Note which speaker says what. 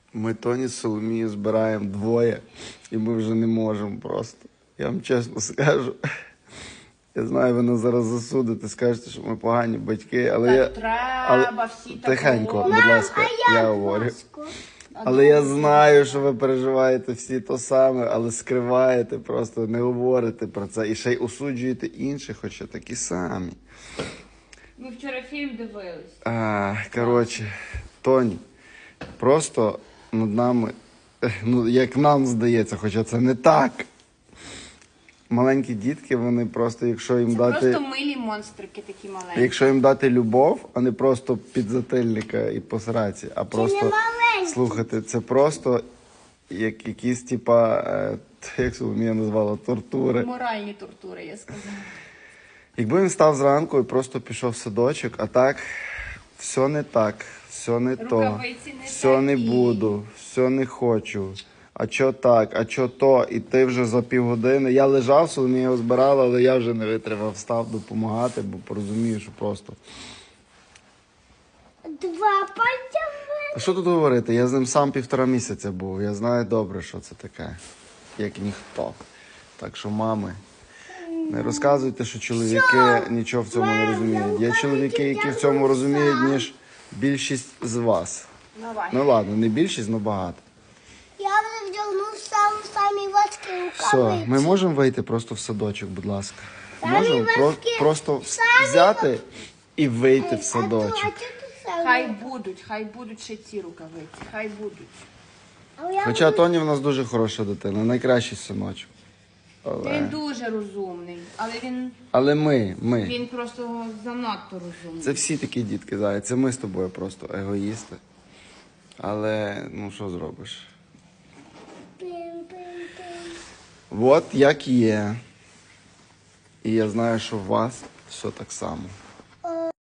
Speaker 1: Ми Тоні з Соломією збираємо двоє, і ми вже не можемо просто. Я вам чесно скажу. Я знаю, ви нас зараз засудите, скажете, що ми погані батьки, але
Speaker 2: Так треба, всі так
Speaker 1: тихенько,
Speaker 2: говорять.
Speaker 1: будь ласка, я говорю. Але я знаю, що ви переживаєте всі то саме, але скриваєте, просто не говорите про це. І ще й осуджуєте інших, хоча такі самі.
Speaker 2: Ми вчора фільм дивились.
Speaker 1: Коротше, Тоні, просто над нами, ну, як нам здається, хоча це не так. Маленькі дітки, вони просто, якщо їм
Speaker 2: Це
Speaker 1: дати...
Speaker 2: просто милі монстрики такі маленькі.
Speaker 1: Якщо їм дати любов, а не просто підзатильника і посраці, а просто слухати, це просто як якісь, типа, як Соломія назвала, тортури.
Speaker 2: Моральні тортури, я сказала.
Speaker 1: Якби він став зранку і просто пішов в садочок, а так, все не так, все не то,
Speaker 2: Рукавиці не
Speaker 1: все не
Speaker 2: такі.
Speaker 1: буду, все не хочу, а чо так, а чо то, і ти вже за півгодини. Я лежав, Соломія його збирала, але я вже не витримав, встав допомагати, бо порозумію, що просто...
Speaker 3: Два пальця.
Speaker 1: А що тут говорити? Я з ним сам 1,5 місяця був, я знаю добре, що це таке, як ніхто. Так що, мами, не розказуйте, що чоловіки нічого в цьому не розуміють. Є чоловіки, які в цьому розуміють, ніж більшість з вас.
Speaker 2: Давай.
Speaker 1: Ну ладно, не більшість, але багато.
Speaker 3: Я вже вдягнув самі важкі
Speaker 1: Все,
Speaker 3: рукавиці.
Speaker 1: ми можемо вийти просто в садочок, будь ласка?
Speaker 3: Самі
Speaker 1: Можемо
Speaker 3: важкі.
Speaker 1: просто
Speaker 3: Самі
Speaker 1: взяти і вийти в садочок.
Speaker 2: Хай будуть ще ці рукавиці, хай будуть.
Speaker 1: Хоча Тоні в нас дуже хороша дитина, найкращий синочок.
Speaker 2: Він дуже розумний,
Speaker 1: Але ми.
Speaker 2: він просто занадто розумний.
Speaker 1: Це всі такі дітки, Зая. Це ми з тобою просто егоїсти. Але, ну, що зробиш? От як є. І я знаю, що у вас все так само.